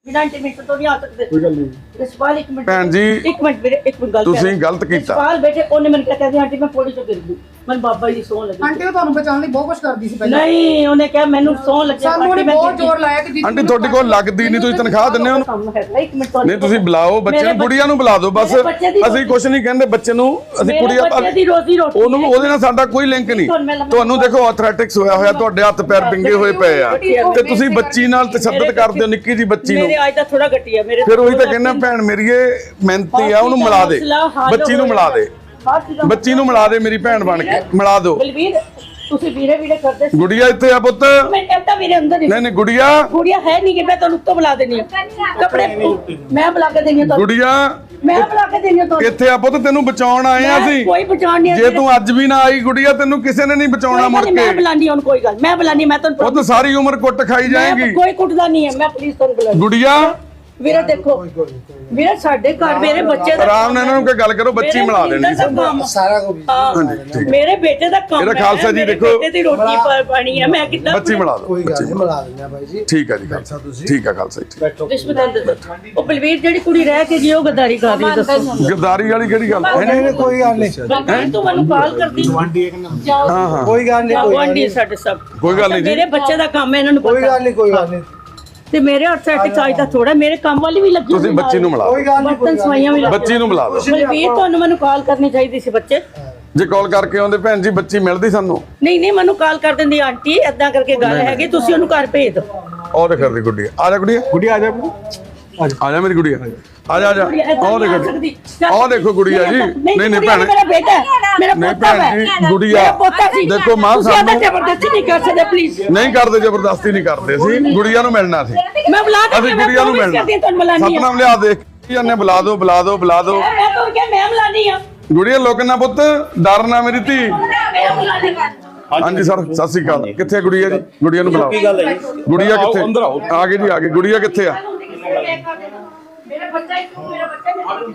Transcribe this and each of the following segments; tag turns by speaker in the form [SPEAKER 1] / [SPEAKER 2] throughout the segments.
[SPEAKER 1] बिना इंटीमेशन तो नहीं आ सकते।
[SPEAKER 2] कोई गल नहीं
[SPEAKER 1] यशपाल एक मिनट
[SPEAKER 3] ਭੈਣ ਜੀ
[SPEAKER 1] एक मिनट मेरे एक मिनट गल
[SPEAKER 3] ਤੁਸੀਂ ਗਲਤ ਕੀਤਾ।
[SPEAKER 1] यशपाल बेटे ओने मैंने कहता आंटी मैं पौड़ी चो गिर गई मैं बाबा जी सौं लगी
[SPEAKER 4] ਆਂਟੀ ਉਹ ਤੁਹਾਨੂੰ ਬਚਾਉਣ ਲਈ ਬਹੁਤ ਕੁਝ ਕਰਦੀ ਸੀ ਪਹਿਲਾਂ
[SPEAKER 1] नहीं ਉਹਨੇ ਕਿਹਾ ਮੈਨੂੰ ਸੌਂ ਲੱਗੇ
[SPEAKER 4] ਸਾਨੂੰ ਉਹਨੇ ਬਹੁਤ ਜ਼ੋਰ ਲਾਇਆ ਕਿ
[SPEAKER 3] ਆਂਟੀ ਤੁਹਾਡੇ ਕੋਲ ਲੱਗਦੀ ਨਹੀਂ ਤੁਸੀਂ ਤਨਖਾਹ ਦਿੰਦੇ ਹੋ
[SPEAKER 1] ਕੰਮ ਹੈਗਾ ਇੱਕ ਮਿੰਟ
[SPEAKER 3] ਨਹੀਂ ਤੁਸੀਂ ਬੁਲਾਓ ਬੱਚੇ ਨੂੰ ਗੁੜੀਆ ਨੂੰ ਬੁਲਾ ਦਿਓ ਬਸ
[SPEAKER 1] ਮੇਰੇ ਬੱਚੇ ਦੀ
[SPEAKER 3] ਅਸੀਂ ਕੁਝ ਨਹੀਂ ਕਹਿੰਦੇ ਬੱਚੇ ਨੂੰ ਅਸੀਂ ਕੁੜੀਆ
[SPEAKER 1] ਬੱਚੇ ਦੀ ਰੋਜ਼ੀ ਰੋਟੀ
[SPEAKER 3] ਉਹਨੂੰ ਉਹਦੇ ਨਾਲ ਸਾਡਾ ਕੋਈ ਲਿੰਕ ਨਹੀਂ ਤੁਹਾਨੂੰ ਦੇਖੋ ਐਥਲੈਟਿਕਸ ਹੋਇਆ ਹੋਇਆ ਤੁਹਾਡੇ ਹੱਥ ਪੈਰ ਪਿੰਗੇ ਹੋਏ ਪਏ ਆ ਤੇ ਤੁਸੀਂ ਬੱਚੀ ਨਾਲ ਤਸ਼ੱਦਦ ਕਰਦੇ ਹੋ ਨਿੱਕੀ ਜੀ ਬੱਚੀ ਨੂੰ
[SPEAKER 1] ਮੇਰੇ ਅੱਜ ਦਾ ਥੋੜਾ ਘਟਿਆ ਮੇਰੇ
[SPEAKER 3] ਫਿਰ ਉਹੀ ਤਾਂ ਕਹਿੰਦਾ ਭੈਣ ਮੇਰੀਏ ਮਿਹਨਤੀ ਆ ਉਹਨੂੰ ਮਿਲਾ ਦੇ ਬੱਚੀ ਨੂੰ ਮਿਲਾ ਦੇ ਬੱਚੀ ਨੂੰ ਮਿਲਾ ਦੇ ਮੇਰੀ ਭੈਣ ਬਣ ਕੇ ਮਿਲਾ ਦਿਓ
[SPEAKER 1] ਬਲਵੀਰ ਤੁਸੀਂ ਵੀਰੇ ਵੀਰੇ ਕਰਦੇ ਸੀ
[SPEAKER 3] ਗੁੜੀਆ ਇੱਥੇ ਆ ਪੁੱਤ
[SPEAKER 1] ਮੈਂ ਕਹਿੰਦਾ ਵੀਰੇ ਅੰਦਰ ਹੀ
[SPEAKER 3] ਨਹੀਂ ਨਹੀਂ ਗੁੜੀਆ
[SPEAKER 1] ਗੁੜੀਆ ਹੈ ਨਹੀਂ ਕਿ ਮੈਂ ਤੁਹਾਨੂੰ ਉੱਤੋਂ ਬੁਲਾ ਦੇਣੀ ਆ ਕੱਪੜੇ ਮੈਂ ਬੁਲਾ ਕੇ ਦੇਣੀ ਆ ਤੁਹਾਨੂੰ
[SPEAKER 3] ਗੁੜੀਆ
[SPEAKER 1] ਮੈਂ ਬੁਲਾ ਕੇ ਦੇਣੀ ਆ ਤੁਹਾਨੂੰ
[SPEAKER 3] ਇੱਥੇ ਆ ਪੁੱਤ ਤੈਨੂੰ ਬਚਾਉਣ ਆਏ ਆ ਅਸੀਂ
[SPEAKER 1] ਕੋਈ ਪਛਾਣ ਨਹੀਂ
[SPEAKER 3] ਜੇ ਤੂੰ ਅੱਜ ਵੀ ਨਾ ਆਈ ਗੁੜੀਆ ਤੈਨੂੰ ਕਿਸੇ ਨੇ ਨਹੀਂ ਬਚਾਉਣਾ ਮੁੜ
[SPEAKER 1] ਮੈਂ
[SPEAKER 3] ਕੇ
[SPEAKER 1] ਬੁਲਾਣੀ ਹੁਣ ਕੋਈ ਗੱਲ ਮੈਂ ਬੁਲਾਣੀ ਮੈਂ ਤੁਹਾਨੂੰ
[SPEAKER 3] ਉਹ ਤਾਂ ਸਾਰੀ ਉਮਰ ਕੁੱਟ ਖਾਈ ਜਾਏਗੀ
[SPEAKER 1] ਕੋਈ ਕੁੱਟਦਾ ਨਹੀਂ ਹੈ ਮੈਂ ਪੁਲਿਸ ਤੋਂ ਬੁਲਾ
[SPEAKER 3] ਗੁੜੀਆ
[SPEAKER 1] ਵੀਰੇ ਦੇਖੋ ਵੀਰੇ ਸਾਡੇ ਘਰ ਮੇਰੇ ਬੱਚੇ ਦਾ
[SPEAKER 3] ਆਰਾਮ ਨਾਲ ਇਹਨਾਂ ਨੂੰ ਕੋਈ ਗੱਲ ਕਰੋ ਬੱਚੀ ਮਿਲਾ ਦੇਣੀ
[SPEAKER 1] ਕੰਮ
[SPEAKER 4] ਸਾਰਾ ਕੁਝ
[SPEAKER 1] ਮੇਰੇ ਬੇਟੇ ਦਾ ਕੰਮ
[SPEAKER 3] ਇਹਦਾ ਖਾਲਸਾ ਜੀ ਦੇਖੋ
[SPEAKER 1] ਬੇਟੇ ਦੀ ਰੋਟੀ ਪਾਣੀ ਹੈ ਮੈਂ ਕਿੱਦਾਂ
[SPEAKER 3] ਬੱਚੀ ਮਿਲਾ ਦਿਓ
[SPEAKER 4] ਕੋਈ ਗੱਲ ਨਹੀਂ ਮਿਲਾ ਦਿੰਦੇ ਆ ਬਾਈ ਜੀ
[SPEAKER 3] ਠੀਕ ਹੈ ਜੀ ਖਾਲਸਾ ਠੀਕ ਹੈ ਖਾਲਸਾ ਜੀ
[SPEAKER 1] ਉਹ ਬਲਵੀਰ ਜਿਹੜੀ ਕੁੜੀ ਰਹਿ ਕੇ ਜੀ ਉਹ ਗਦਾਰੀ ਕਰ ਰਹੀ ਦੱਸੋ
[SPEAKER 3] ਗਰਦਾਰੀ ਵਾਲੀ ਕਿਹੜੀ ਗੱਲ
[SPEAKER 4] ਨਹੀਂ ਕੋਈ ਗੱਲ ਨਹੀਂ
[SPEAKER 1] ਬਲਵੀਰ ਤੂੰ ਮੈਨੂੰ ਕਾਲ ਕਰਦੀ
[SPEAKER 3] ਹਾਂ ਹਾਂ
[SPEAKER 4] ਕੋਈ ਗੱਲ ਨਹੀਂ
[SPEAKER 1] ਗੁਆਂਢੀ ਸਾਡੇ ਸਭ
[SPEAKER 3] ਕੋਈ ਗੱਲ ਨਹੀਂ ਜੀ
[SPEAKER 1] ਮੇਰੇ ਬੱਚੇ ਦਾ ਕੰਮ ਹੈ ਇਹਨਾਂ ਨੂੰ
[SPEAKER 4] ਕੋਈ
[SPEAKER 1] ਪਤਾ
[SPEAKER 4] ਗੱਲ ਨਹੀਂ ਕੋਈ ਗੱਲ ਨਹੀਂ
[SPEAKER 1] ਤੇ ਮੇਰੇ ਆਰਥਰਾਈਟਿਸ ਅੱਜ ਦਾ ਥੋੜਾ ਮੇਰੇ ਕੰਮ ਵਾਲੀ ਵੀ ਲੱਗੀ
[SPEAKER 3] ਤੁਸੀਂ ਬੱਚੀ ਨੂੰ ਮਿਲਾ
[SPEAKER 4] ਕੋਈ ਗੱਲ ਨਹੀਂ
[SPEAKER 1] ਬਰਤਨ ਸਵਾਈਆਂ ਵੀ
[SPEAKER 3] ਬੱਚੀ ਨੂੰ ਮਿਲਾ ਦਿਓ
[SPEAKER 1] ਬਲਵੀਰ ਤੁਹਾਨੂੰ ਮੈਨੂੰ ਕਾਲ ਕਰਨੀ ਚਾਹੀਦੀ ਸੀ ਬੱਚੇ
[SPEAKER 3] ਜੇ ਕਾਲ ਕਰਕੇ ਆਉਂਦੇ ਭੈਣ ਜੀ ਬੱਚੀ ਮਿਲਦੀ ਸਾਨੂੰ
[SPEAKER 1] ਨਹੀਂ ਨਹੀਂ ਮੈਨੂੰ ਕਾਲ ਕਰ ਦਿੰਦੀ ਆਂਟੀ ਏਦਾਂ ਕਰਕੇ ਗੱਲ ਹੈਗੀ ਤੁਸੀਂ ਉਹਨੂੰ ਘਰ ਭੇਜ ਦਿਓ
[SPEAKER 3] ਉਹ ਦੇਖ ਰਹੀ ਗੁੱਡੀ ਆ ਜਾ ਗੁੱਡੀ ਗੁੱਡੀ ਆ ਜਾ ਆ ਜਾ ਮੇਰੀ ਗੁੱਡੀ ਆ ਜਾ ਆ ਜਾ ਉਹ ਦੇਖੋ ਉਹ ਦੇਖੋ ਗੁੜੀਆ ਜੀ ਨਹੀਂ ਨਹੀਂ ਭੈਣ
[SPEAKER 1] ਮੇਰਾ ਬੇਟਾ ਹੈ, ਮੇਰਾ
[SPEAKER 3] ਨਹੀਂ
[SPEAKER 1] ਪੋਤਾ
[SPEAKER 3] ਭੈਣ
[SPEAKER 1] ਹੈ
[SPEAKER 3] ਜੀ ਗੁੜੀਆ
[SPEAKER 1] ਮੇਰਾ ਪੋਤਾ ਸੀ
[SPEAKER 3] ਦੇਖੋ ਮਾਂ
[SPEAKER 1] ਤੁਸੀਂ ਏਦਾਂ
[SPEAKER 3] ਸਾਨੂੰ
[SPEAKER 1] ਜ਼ਬਰਦਸਤੀ ਨਹੀਂ ਕਰ ਸਕਦੇ ਪਲੀਜ਼
[SPEAKER 3] ਨਹੀਂ ਕਰਦੇ ਜ਼ਬਰਦਸਤੀ ਨਹੀਂ ਕਰਦੇ ਅਸੀਂ ਗੁੜੀਆ ਨੂੰ ਮਿਲਣਾ ਸੀ
[SPEAKER 1] ਮੈਂ ਬੁਲਾ ਕੇ
[SPEAKER 3] ਅਸੀਂ ਗੁੜੀਆ ਨੂੰ ਮਿਲਣਾ
[SPEAKER 1] ਤੁਹਾਨੂੰ ਬੁਲਾਣੀ
[SPEAKER 3] ਸਤਨਾਮ ਲਿਆ ਦੇਖ ਇਹਨੇ ਬੁਲਾ ਦਿਓ ਬੁਲਾ ਦਿਓ ਬੁਲਾ ਦਿਓ
[SPEAKER 1] ਮੈਂ ਤਾਂ ਕਿਹਾ ਮੈਂ ਬੁਲਾਣੀ ਆ
[SPEAKER 3] ਗੁੜੀਆ ਲੋਕਨਾ ਪੁੱਤ ਡਰ ਨਾ ਮੇਰੀ ਧੀ
[SPEAKER 1] ਮੈਂ ਬੁਲਾਣੀ
[SPEAKER 3] ਹਾਂਜੀ ਸਰ ਸਤਿ ਸ੍ਰੀ ਅਕਾਲ ਕਿੱਥੇ ਹੈ ਗੁੜੀਆ ਜੀ ਗੁੜੀਆ ਨੂੰ ਬੁਲਾਓ ਗੁੜੀਆ ਕਿੱਥੇ ਆ ਗਈ ਜੀ ਆ ਗਈ ਗੁੜੀਆ ਕਿੱਥੇ ਆ
[SPEAKER 1] ਮੇਰਾ ਬੱਚਾ ਇੱਕ ਮੇਰਾ ਬੱਚਾ